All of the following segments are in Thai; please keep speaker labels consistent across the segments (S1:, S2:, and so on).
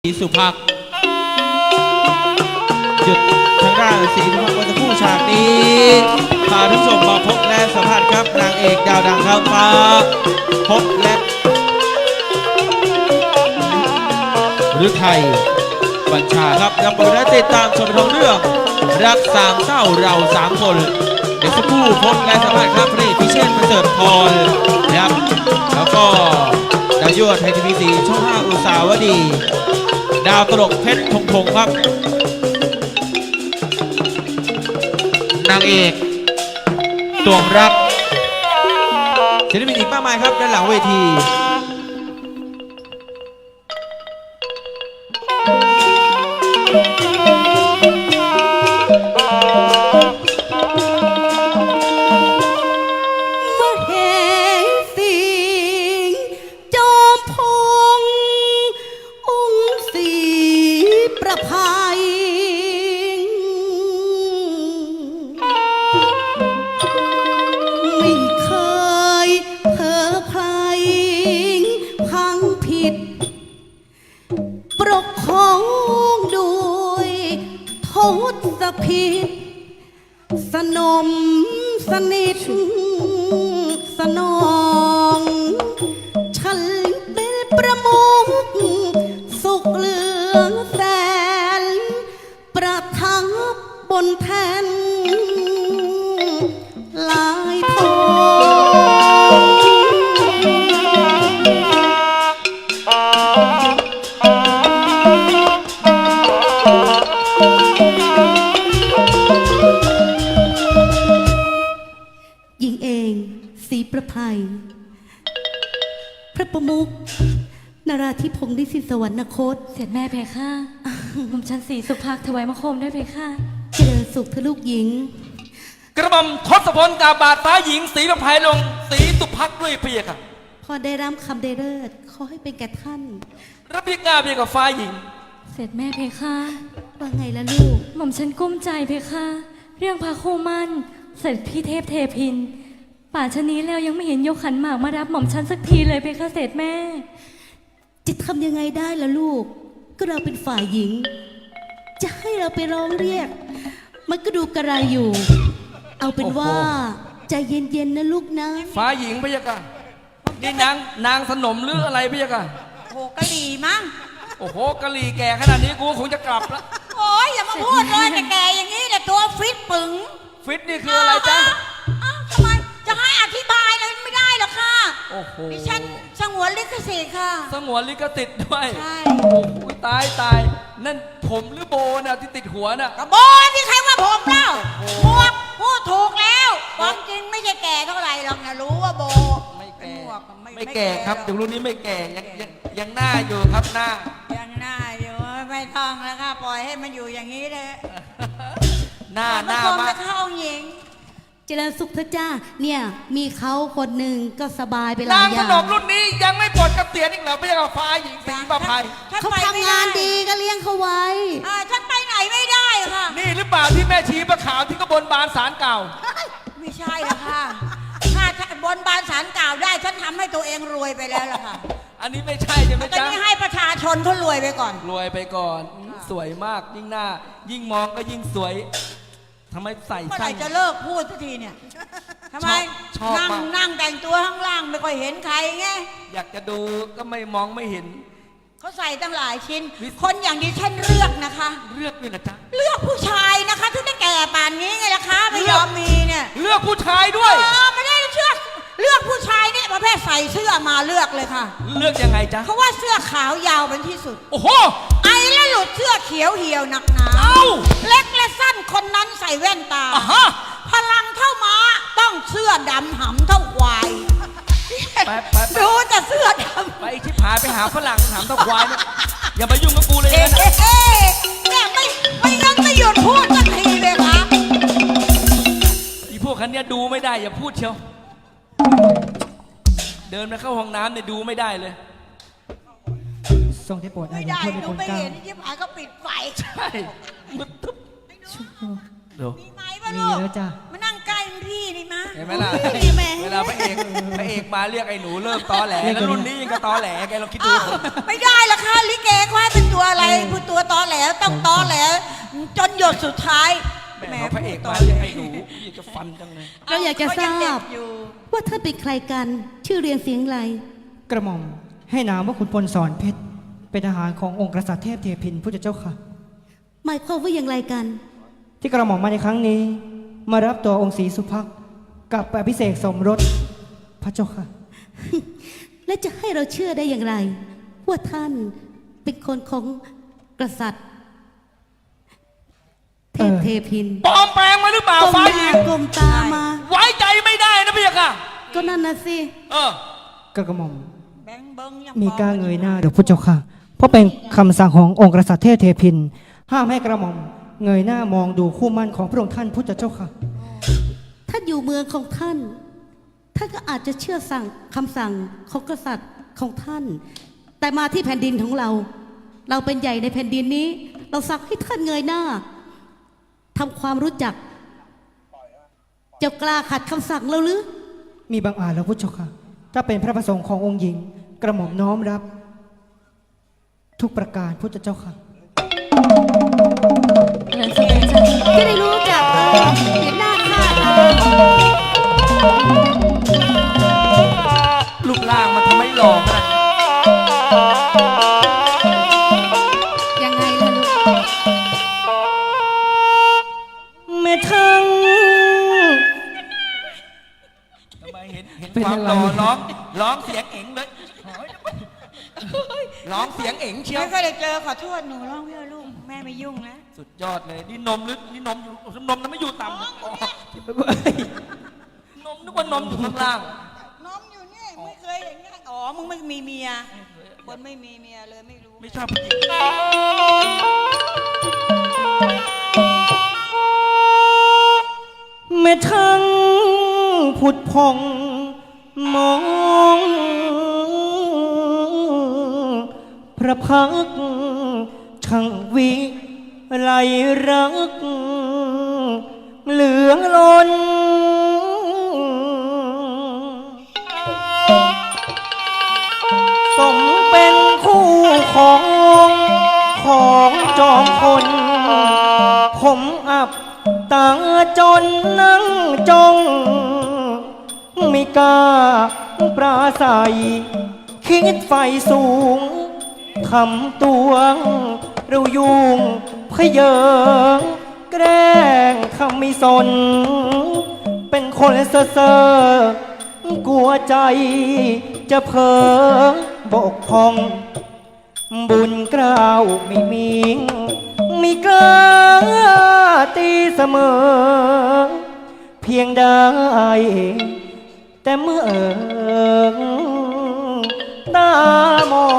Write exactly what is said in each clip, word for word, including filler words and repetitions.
S1: ศรีสุภักดิ์หยุดทางด้านศรีสุภักดิ์วันจะคู่ฉากนี้พาท่านผู้ชมมาพบและสัมผัสครับนางเอกดาวดังข้ามฟ้าพบและฤทัยบัญชาครับนำไปและติดตามชมท้องเรื่องรักสามเศร้าเราสามคนเดี๋ยวสักครู่พบและสัมผัสครับพระเอกพิเชษฐ์ประเสริฐพรนะครับแล้วก็ดาวยั่วไทยทีวีสีช่องห้าอุตสาวดีดาวตลกเพชรพงพงครับนางเอกตวงรักศิลปินอีกมากมายครับด้านหลังเวที
S2: ผิดสนมสนิทสนองฉันเป็นประมุขสุขเหลืองแสนประทับบนแท่นลายทองหญิงเองศรีประภัยพระประมุขนราธิพงศ์ดิสิสวรรคต
S3: เสร็จแม่เพคะผมชันศรีสุภักดิ์ถวายมะคมด้วยเพคะ
S2: เจริญสุขเธอลูกหญิง
S4: กระหม่อมทศพลกาบาทฟ้าหญิงศรีประภัยลงศรีสุภักดิ์ด้วยเพียค่ะ
S2: พอได้รับคำได้เลิศขอให้เป็นแก่ท่าน
S4: รับพิกาเพียกับฟ้าหญิง
S3: เสร็จแม่เพคะ
S2: ว่าไงล่ะลูก
S3: หม่อมฉันกุ้มใจเพคะเรื่องพาคู่มั่นเสร็จพี่เทพเทพินป่าชะนี้แล้วยังไม่เห็นยกขันหมากมารับหม่อมฉันสักทีเลยเพคะเสร็จแม่
S2: จะทำยังไงได้ล่ะลูกก็เราเป็นฝ่ายหญิงจะให้เราไปร้องเรียกมันก็ดูกระไรอยู่เอาเป็นว่าใจเย็นๆนะลูกนะ
S4: ฟ้าหญิงพะยะค่ะนี่นางนางสนมหรืออะไรพะยะค่ะ
S5: โอ้กะหรี่มั้ง
S4: โอ้โหกะหรี่แก่ขนาดนี้กูคงจะกลับแล้ว
S5: โอ้ยอย่ามาพูดเลยแต่แกอย่างนี้แต่ตัวฟิตปึ๋ง
S4: ฟิตนี่คืออะไรจ๊ะ
S5: ทำไมจะให้อธิบายเลยไม่ได้หรอกค่ะ
S4: โอ้โห
S5: ดิฉันสงวนลิขสิทธิ์ค่ะ
S4: สงวนลิขสิทธิ์ด้วย
S5: ใช่
S4: โอ้โหตายตายนั่นผมหรือโบน่ะที่ติดหัวน่ะ
S5: กระโบที่ใครว่าผมเล่าพวกพูดถูกแล้วความจริงไม่ใช่แก่เท่าไหร่หรอกนะรู้ว่าโบ
S4: ไม่แก่ไม่แก่ครับถึงรุ่นนี้ไม่แก่ยังยังยังหน้าอยู่ครับหน้า
S5: ยังหน้าอยู่ไม่ต้องแล้วค่ะปล่อยให้มันอยู่อย่างนี้เลย
S4: หน้าหน้ามาก
S5: เข้าหญิง
S2: เจริญสุขเถอะจ้าเนี่ยมีเขาคนหนึ่งก็สบายไปหลายอย่าง
S4: นางขนมรุ่นนี้ยังไม่ปลดเกษียณอีกเหรอไม่ใช่กับฟ้าหญิงศรีประภัย
S2: เขาทำงานดีก็เลี้ยงเขาไว้
S5: ฉันไปไหนไม่ได้ค่ะ
S4: นี่หรือเปล่าที่แม่ชีประขาวที่กบนบานศาลเก่า
S5: ไม่ใช่ละค่ะถ้าบนบานศาลเก่าได้ฉันทำให้ตัวเองรวยไปแล้วล่ะค่ะ
S4: อันนี้ไม่ใช่ใช่ไหมจ๊ะ
S5: ตอนนี้ให้ประชาชนเขารวยไปก่อน
S4: รวยไปก่อนสวยมากยิ่งหน้ายิ่งมองก็ยิ่งสวยทำไมใส่
S5: เมื่อไหร่จะเลิกพูดสักทีเนี่ยทำไมนั่งนั่งแต่งตัวข้างล่างไม่ค่อยเห็นใครไง
S4: อยากจะดูก็ไม่มองไม่เห็น
S5: เขาใส่ตั้งหลายชิ้นคนอย่างดิฉันเลือกนะคะ
S4: เลือกด้วยนะจ๊ะ
S5: เลือกผู้ชายนะคะถึงได้แก่ป่านนี้ไงล่ะคะไม่ยอมมีเนี่ย
S4: เลือกผู้ชายด้วย
S5: เออไม่ได้เชื่อเลือกผู้ชายเนี่ยประเภทใส่เสื้อมาเลือกเลยค่ะ
S4: เลือกยังไงจ๊ะ
S5: เขาว่าเสื้อขาวยาวเป็นที่สุด
S4: โอ้โห
S5: ไอ้แล้วหลุดเสื้อเขียวเหี่ยวหนักหนาเล็กและสั้นคนนั้นใส่แว่นตาพลังเท่าม้าต้องเสื้อดำหำเท่าควายดูแต่เสื้อดำ
S4: ไปชิบหายไปหาฝรั่งถามเท่าควายอย่ามายุ่งกับกูเลยนะ
S5: เนี่ยไม่ไม่ยังไม่หยุดพูดสักทีเลยค่ะ
S4: อีพวกคันนี้ดูไม่ได้อย่าพูดเชียวเดินไปเข้าห้องน้ำเนี่ยดูไม่ได้เลย
S6: ทรงได้โปรด
S5: ไม่ได้ดูไม่เห็นที่ผายก็ปิดไฟ
S4: ใช่มึดตึ๊บ
S5: มีไหมวะลูกมานั่งใกล้พี่นี่มา
S4: เห็นไหมล่ะ
S2: นี่แม่
S4: เวลาพระเอกพระเอกมาเรียกไอ้หนูเริ่มตอแหลแล้วรุ่นนี้ยังก็ตอแหลแกลองคิดดู
S5: อ้าวไม่ได้ละค่ะลิเกเขาให้เป็นตัวอะไรผู้ตัวตอแหลต้องตอแหลจนหยดสุดท้าย
S4: แม่พระเอกมาเรียกไอ้หนูอยากจะฟันจังเลย
S2: เราอยากจะทรา
S5: เขยังเด็
S2: บ
S5: กอยู่
S2: ว่าท่านเป็นใครกัน ชื่อเรียนเสียงอะไร
S6: กระหม่อมให้นามว่าขุนพลสอนเพชรเป็นทหารขององค์กษัตริย์เทพเทพินพุทธเจ้าค่ะ
S2: หมายความว่าอย่างไรกัน
S6: ที่กระหม่อมมาในครั้งนี้ มารับตัวองค์ศรีสุภักดิ์กลับไปอภิเษกสมรสพระเจ้าค่ะ
S2: และจะให้เราเชื่อได้อย่างไร ว่าท่านเป็นคนของกษัตริย์ เทพเทพิน
S4: ปลอมแปลงมาหรือเปล่าก
S2: ลม
S4: ฟ้า
S2: ห
S4: หญิ
S2: น้าง กลมตามา
S4: ไว้ใจไม่ได้นะพี่ค่ะ
S2: ก็นั่นนะสิ
S4: เออ
S6: กระหม่อม
S5: แบงค์เบิ้งยัง
S6: มีกล้าเงยหน้าเดี๋ยวพุทธเจ้าค่ะ เพราะเป็นคำสั่งขององค์กษัตริย์เทพเทพิน ห้ามให้กระหม่อมเงยหน้ามองดูคู่มั่นของพระองค์ท่านพุทธเจ้าค่ะ
S2: ถ้าอยู่เมืองของท่าน ท่านก็อาจจะเชื่อสั่งคำสั่งของกษัตริย์ของท่าน แต่มาที่แผ่นดินของเรา เราเป็นใหญ่ในแผ่นดินนี้ เราสั่งให้ท่านเงยหน้าทำความรู้จักจะกล้าขัดคำสั่งเราหรือ
S6: มีบางอาจแล้วพุทธเจ้าค่ะ ถ้าเป็นพระประสงค์ขององค์หญิง กระหม่อมน้อมรับ ทุกประการพุทธเจ้าค่ะ
S3: เดินสิจ้ะ
S2: จะได้รู้จักเออเห็นหน้าค่าตา
S4: รูปร่างมันทำไมหล่อขนาดนี้
S2: ยังไงล่ะลูก
S6: แม่ทั้ง
S4: ทำไมเห็นเห็น
S6: เป็น
S4: ความ
S6: อะไร
S4: หล่อร้องร้องเสียงเอ๋งเลยร้องเสียงเอ๋งเชียว
S5: ไม่เคยได้เจอขอโทษหนูร้องเพื่อลูกแม่ไม่ยุ่งนะ
S4: สุดยอดเลยนี่นมหรือนี่นมอยู่นมนั้นไม่อยู่ต่ำนะอ๋อนมนึกว่านมอยู่ข้างล่าง
S5: น้องอยู่นี่ไม่เคยอย่างเงี้ยอ๋อมึงไม่มีเมียคนไม่มีเมียเลยไม่รู้
S4: ไม่ชอบผู้หญิง
S6: แม่ทั้งผุดพองมอง พระพักตร์ช่างวิไลรัก เหลืองล้น สมเป็นคู่ของของจอมคน ผมอับตาจนนั่งจงไม่กล้าปราศัย คิดไฟสูงทำตัวเรายุ่งพเยอแกล้งทำไม่สน เป็นคนเซ่อเซ่อกลัวใจจะเผลอบกพร่อง บุญเกล้าวไม่มีไม่กล้าตีเสมอ เพียงได้ แต่เมื่อเอิงตามอง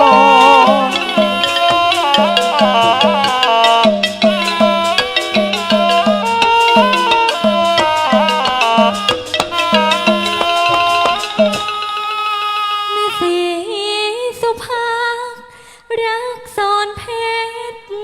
S3: แม่สีสุภาพรักสอนเพชร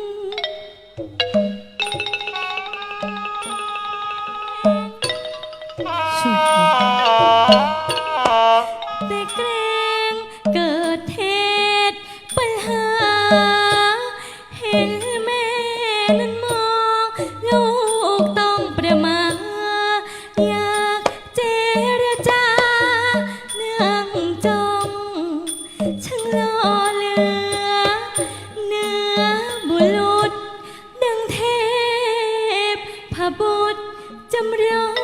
S3: แต่เกรงเกิดเหตุปัญหา เห็นแม่นั้นมองลูกต้องประมาทอยากเจรจาเนื่องจงช่างหล่อเหลือเนื้อบุรุษดังเทพพระบุตรจำลอง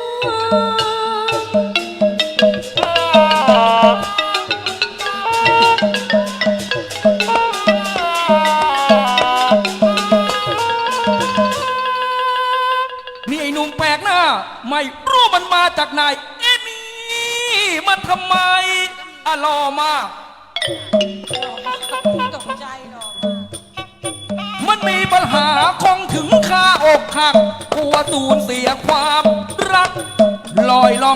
S4: นี่ไอ้หนุ่มแปลกหน้า ไม่รู้มันมาจากไหน เอ็นี่มันทำไมอะรอมาก
S5: ตกใจหรอก
S4: มันมีปัญหาคงถึงค่าอกหักกลัวสูญเสียความรักลอยล่อง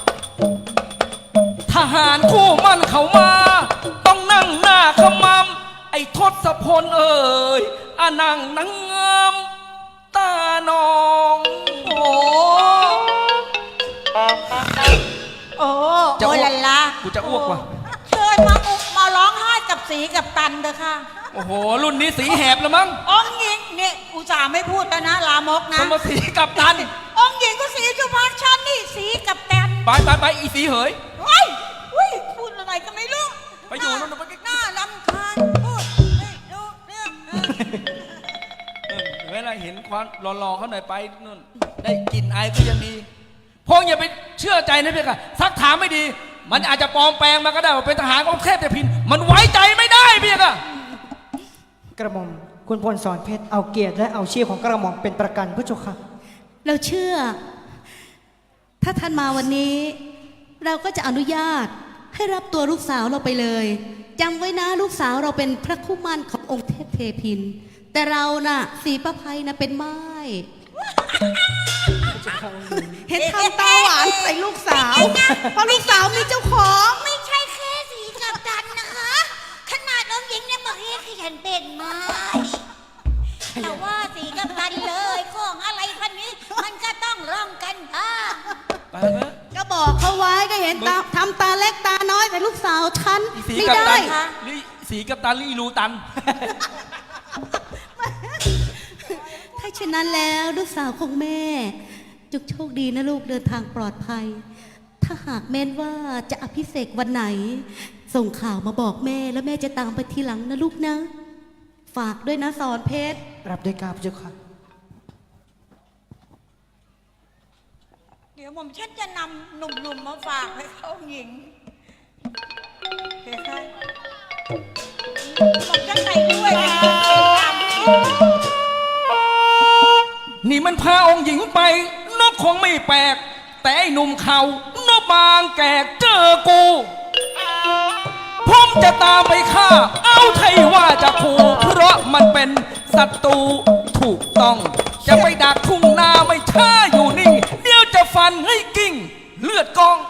S4: ทหารคู่มันเข้ามา ต้องนั่งหน้าขมำไอ้ทศพลเอ่ยอานั่งนังงามตานอง
S5: โอ้โอ้
S4: จะอ้
S5: โอ้
S4: วก
S5: ลันลา
S4: กูจะอ้วกว่ะ
S5: เชิญมาอุกมาร้องไห้กับสีกับตันเด้อค่ะ
S4: โอ้โห รุ่นนี้สีแหบแล้วมั้ง
S5: องค์หญิงเนี่ยอุตส่าห์ไม่พูดแล้วนะลามกนะ
S4: สมสีกับตัน
S5: องค์หญิงก็สีสุภาพชันนี่สีกับแตน
S4: ไปไปไปอีสีเหย
S5: เฮ้ยเฮ้ยพูดอะไรก็ไม่รู้
S4: ไปอยู่นู่นไป
S5: หน้ารำคาญพูดไม่รู้เรื่องเออ
S4: เออเวลาเห็นควันรอๆเขาหน่อยไปนู่นได้กลิ่นไอก็ยังดีพงอย่าไปเชื่อใจนะเพี่ค่ะซักถามไม่ดี มันอาจจะปลอมแปลงมาก็ได้ว่าเป็นทหารของเทพแต่พิน มันไว้ใจไม่ได้พี่ค่ะ
S6: กระหม่อมคุณพลสอนเพชรเอาเกียรติและเอาชีพของกระหม่อมเป็นประกันพระเจ้าค่ะ
S2: เราเชื่อ ถ้าท่านมาวันนี้ เราก็จะอนุญาตให้รับตัวลูกสาวเราไปเลยจำไว้นะลูกสาวเราเป็นพระคู่มั่นขององค์เทพเทพิน แต่เราน่ะสีประภัยนะเป็นไม้ เห็นทำตาหวานใส่ลูกสาว เพราะลูกสาวมีเจ้าของ
S7: ไม่ใช่แค่สีกับตันนะคะ ขนาดน้องหญิงเนี่ยบอกให้ขยันเป็นไม้แต่ว่าสีกับตันเลยของอะไรพันนี้ มันก็ต้องร่องกันบ้าง
S4: ไปเถอะ
S2: ก็บอกเขาไว้ก็เห็นตาทำตาเล็กตาน้อยแต่ลูกสาวฉัน
S4: อีสี
S2: ไม่
S4: กับ
S2: ได้
S4: ตันนี่สีกับตันนี่รูตัน
S2: ถ้าเช่นนั้นแล้วลูกสาวของแม่จงโชคดีนะลูกเดินทางปลอดภัย ถ้าหากแม่นว่าจะอภิเษกวันไหน ส่งข่าวมาบอกแม่แล้วแม่จะตามไปทีหลังนะลูกนะ ฝากด้วยนะสอนเพชร
S6: รับด้วยกราบพระเจ้าค่ะ
S5: เดี๋ยวผมฉันจะนำหนุ่มๆมาฝากให้เขาองค์หญิงเฮ้ยใครผมจะใส่ด้วยนะตามผู้หญิง
S4: นี่มันพาองค์หญิงไปนกคงไม่แปลก แต่ไอ้หนุ่มเขานกบางแกกเจอกูผมจะตามไปฆ่า เอาไทยว่าจะขู่เพราะมันเป็นศัตรูถูกต้อง จะไปดักทุ่งนาไม่ช้าอยู่นิ่ง เดี๋ยวจะฟันให้กิ้ง เลือดกอง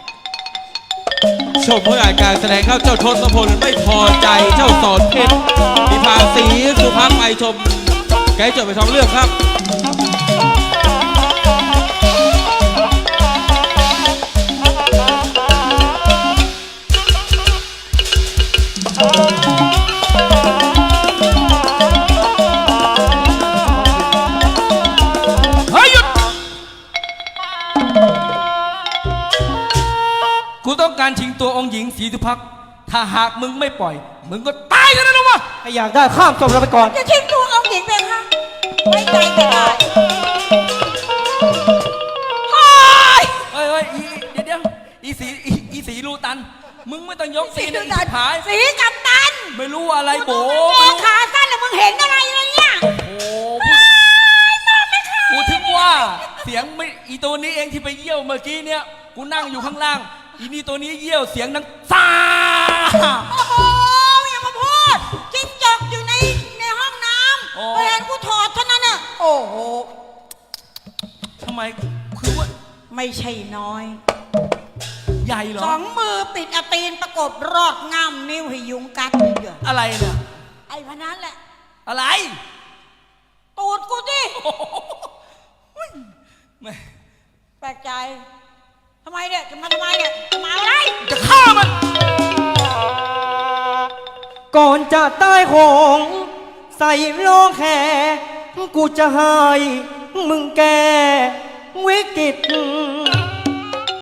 S1: ชมผลงานการแสดงครับเจ้าทศพลไม่พอใจเจ้าสอนเพชรมีพาสีสุภาพไปชมไกด์จบไปสองเรื่องครับ
S4: เฮ้ยหยุด กูต้องการชิงตัวองค์หญิงศรีสุภักดิ์ถ้าหากมึงไม่ปล่อย มึงก็ตายกันแล้ววะ
S6: ถ้าอยากได้ข้ามศพเราไปก่อน
S5: จะทิ้งตัวองค์หญิงไปคะไว้ใจไม่ได้เฮ้ย
S4: เฮ้ยเฮ้ยอีเดี๋ยวเดี๋ยวอีสีอีอีสีรูตัน มึงไม่ต้องยกสีนะอีสิผาย
S5: สีกับตัน
S4: ไม่รู้อะไรโบ
S5: แม่ขาสั้นแล้วมึงเห็นอะไรเลยเนี่ย
S4: โอ้โหกูถึงว่าเสียงไม่อีตัวนี้เองที่ไปเยี่ยวเมื่อกี้เนี่ย กูนั่งอยู่ข้างล่าง อีนี่ตัวนี้เยี่ยวเสียงดังซ่า
S5: โอ้โหอย่ามาพูดจิ้งจกอยู่ในในห้องน้ำพอเห็นกูถอดเท่านั้นน่ะโอ้โห
S4: ทำไมคือว่า
S5: ไม่ใช่น้อย
S4: ใหญ่เหรอ
S5: สองมือปิดอาตีนประกบรอดง่ามนิ้วให้ยุงกัดเยอะ
S4: อะไรเนี่ย
S5: ไอ้พนันแหละ
S4: อะไร
S5: ตูดกูดิ
S4: โอ้โหแม่
S5: แปลกใจทำไมเนี่ยจะมาทำไมเนี่ยจะมาอะไร
S4: จะฆ่ามัน
S6: ก่อนจะตายโหง ใส่โลงแขกูจะให้มึงแกวิกฤต